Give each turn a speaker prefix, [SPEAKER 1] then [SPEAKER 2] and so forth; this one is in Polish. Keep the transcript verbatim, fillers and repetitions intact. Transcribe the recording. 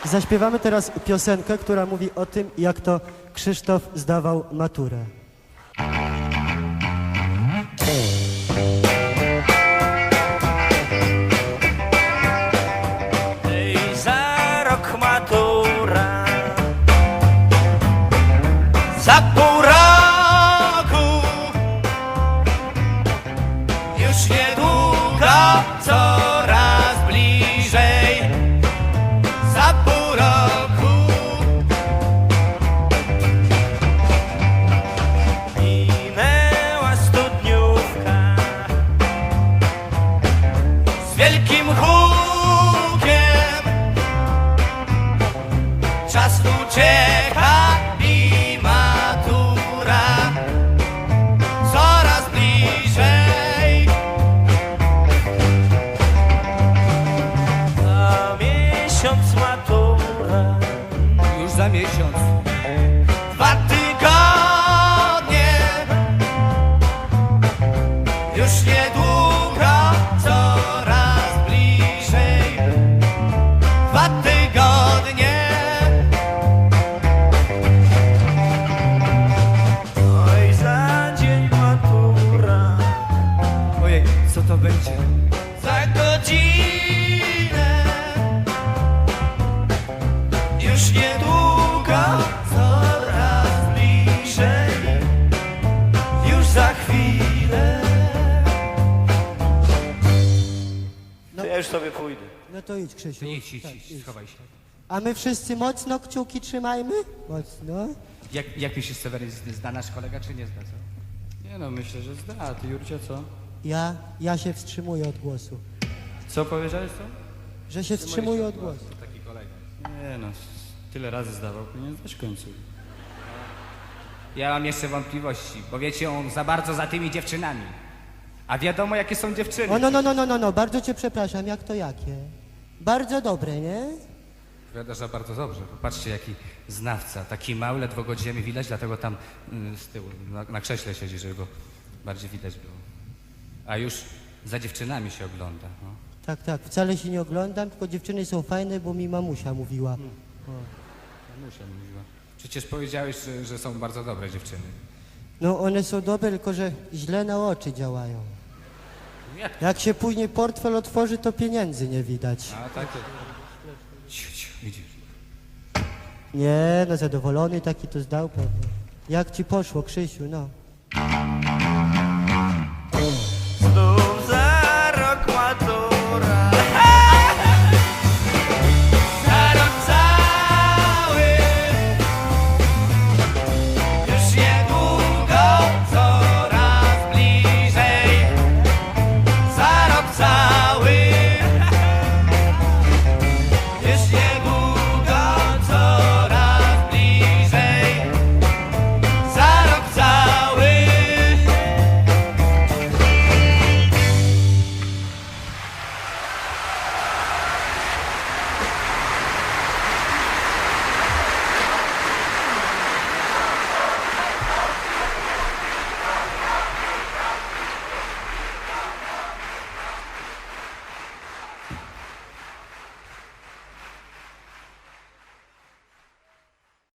[SPEAKER 1] Zaśpiewamy teraz piosenkę, która mówi o tym, jak to Krzysztof zdawał maturę.
[SPEAKER 2] Ej, za rok matura, za pół roku, już niedługo, coraz bliżej, za pół roku. Minęła studniówka z wielkim hukiem, czas ucieka i matura coraz bliżej. Za miesiąc matura,
[SPEAKER 3] Już za miesiąc.
[SPEAKER 2] dwa tygodnie, już niedługo, coraz bliżej, dwa tygodnie. Oj, za dzień matura,
[SPEAKER 3] Ojej, co to będzie?
[SPEAKER 2] za godzinę, już niedługo, coraz bliżej, już za chwilę.
[SPEAKER 1] No.
[SPEAKER 2] To ja już sobie pójdę.
[SPEAKER 1] No to idź, Krzysiu.
[SPEAKER 3] Idź, idź,
[SPEAKER 1] Tak,
[SPEAKER 3] idź, schowaj się.
[SPEAKER 1] A my wszyscy mocno kciuki trzymajmy? Mocno.
[SPEAKER 3] Jak, jak myślisz, Seweryn, zda nasz kolega, czy nie zda, co?
[SPEAKER 4] Nie no, myślę, że zda. A ty, Jurcia, co?
[SPEAKER 1] Ja, ja się wstrzymuję od głosu.
[SPEAKER 4] Co powiedziałeś, co?
[SPEAKER 1] Że się wstrzymuję od głosu.
[SPEAKER 3] Taki kolega.
[SPEAKER 4] Nie no, tyle razy zdawał, powinien zdać w końcu.
[SPEAKER 3] Ja mam jeszcze wątpliwości, bo wiecie, on za bardzo za tymi dziewczynami. A wiadomo, jakie są dziewczyny.
[SPEAKER 1] O, no, no, no, no, no, no, bardzo cię przepraszam, jak to jakie? Bardzo dobre, nie?
[SPEAKER 3] Wiadomo, że bardzo dobrze. Popatrzcie, jaki znawca. Taki mały, ledwo go ziemi widać, dlatego tam y, z tyłu, na, na krześle siedzi, żeby go bardziej widać było. A już za dziewczynami się ogląda. No.
[SPEAKER 1] Tak, tak, wcale się nie oglądam, tylko dziewczyny są fajne, bo mi mamusia mówiła.
[SPEAKER 3] Mamusia mówiła. Przecież powiedziałeś, że, że są bardzo dobre dziewczyny.
[SPEAKER 1] No one są dobre, tylko że źle na oczy działają.
[SPEAKER 3] Jak?
[SPEAKER 1] Jak się później portfel otworzy, to pieniędzy nie widać.
[SPEAKER 3] A tak. Ciu, ciu, widzisz.
[SPEAKER 1] Nie, no zadowolony taki to zdał pewnie. Jak ci poszło, Krzysiu, no?